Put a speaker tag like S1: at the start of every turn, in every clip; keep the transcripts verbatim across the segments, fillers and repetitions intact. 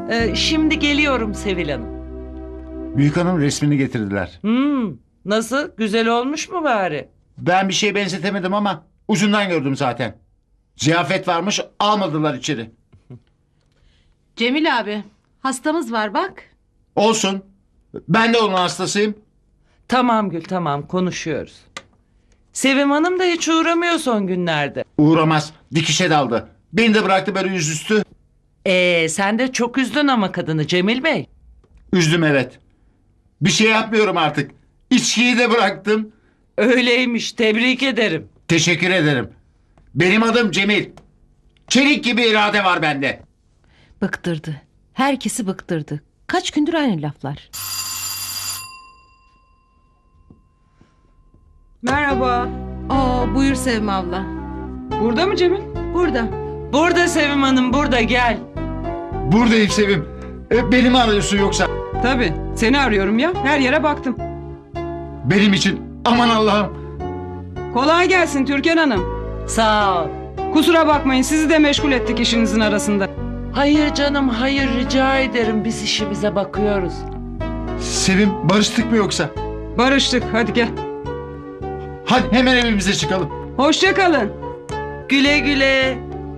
S1: Ee, şimdi geliyorum Sevil Hanım.
S2: Büyük hanım resmini getirdiler.
S1: Hmm, nasıl? Güzel olmuş mu bari?
S2: Ben bir şey benzetemedim ama ucundan gördüm zaten. Ziyafet varmış, almadılar içeri.
S3: Cemil abi, hastamız var bak.
S2: Olsun. Ben de onun hastasıyım.
S1: Tamam Gül, tamam, konuşuyoruz. Sevim Hanım da hiç uğramıyor son günlerde.
S2: Uğramaz. Dikişe daldı. Beni de bıraktı böyle yüzüstü.
S1: Ee, sen de çok üzdün ama kadını Cemil Bey.
S2: Üzdüm evet. Bir şey yapmıyorum artık. İçkiyi de bıraktım.
S1: Öyleymiş, tebrik ederim.
S2: Teşekkür ederim. Benim adım Cemil. Çelik gibi irade var bende.
S3: Bıktırdı. Herkesi bıktırdı. Kaç gündür aynı laflar.
S4: Merhaba.
S3: Aa, buyur Sevim abla.
S4: Burada mı Cemil?
S3: Burada.
S1: Burada Sevim Hanım, burada gel.
S2: Buradayım Sevim. E, beni mi arıyorsun yoksa?
S4: Tabii. Seni arıyorum ya. Her yere baktım.
S2: Benim için. Aman Allah'ım.
S4: Kolay gelsin Türkan Hanım.
S1: Sağ ol.
S4: Kusura bakmayın sizi de meşgul ettik işinizin arasında.
S1: Hayır canım, hayır, rica ederim. Biz işimize bakıyoruz.
S2: Sevim, barıştık mı yoksa?
S4: Barıştık. Hadi gel.
S2: Hadi hemen evimize çıkalım.
S4: Hoşça kalın.
S1: Güle güle.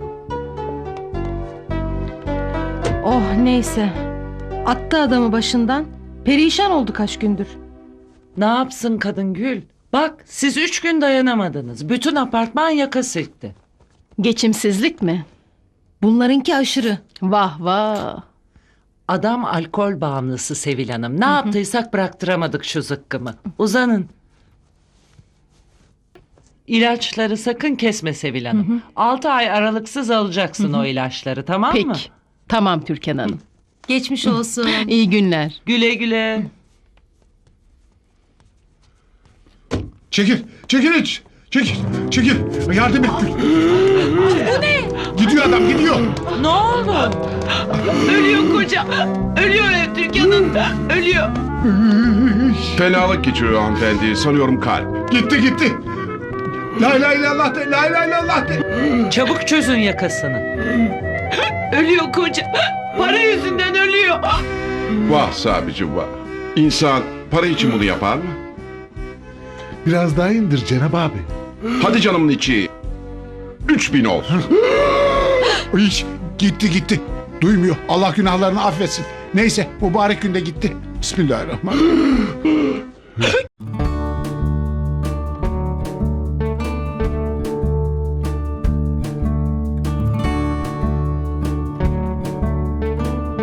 S3: Oh neyse. Attı adamı başından. Perişan oldu kaç gündür.
S1: Ne yapsın kadın Gül? Bak, siz üç gün dayanamadınız. Bütün apartman yaka silkti.
S3: Geçimsizlik mi? Bunlarınki aşırı. Vah vah.
S1: Adam alkol bağımlısı Sevil Hanım. Ne yaptıysak bıraktıramadık şu zıkkımı. Uzanın. İlaçları sakın kesme Sevil Hanım. Altı ay aralıksız alacaksın o ilaçları, tamam mı?
S3: Peki. Tamam Türkan Hanım.
S5: Geçmiş olsun.
S3: İyi günler.
S1: Güle güle.
S6: Çekil, çekil hiç. Çekil, çekil. Yardım et. Bu ne? Gidiyor adam, gidiyor.
S1: Ne oldu? Ölüyor koca. Ölüyor Türkan'ın. Ölüyor.
S7: Fenalık geçiriyor hanımefendi. Sanıyorum kalp.
S6: Gitti, gitti. La ilahe illallah de, la ilahe illallah de.
S1: Çabuk çözün yakasını. Ölüyor koca. Para yüzünden ölüyor.
S7: Vah Sabicim vah. İnsan para için bunu yapar mı?
S6: Biraz daha indir Cenab abi.
S7: Hadi canımın içi. Üç bin olsun.
S6: Hiç, gitti gitti. Duymuyor. Allah günahlarını affetsin. Neyse, mübarek günde gitti. Bismillahirrahmanirrahim.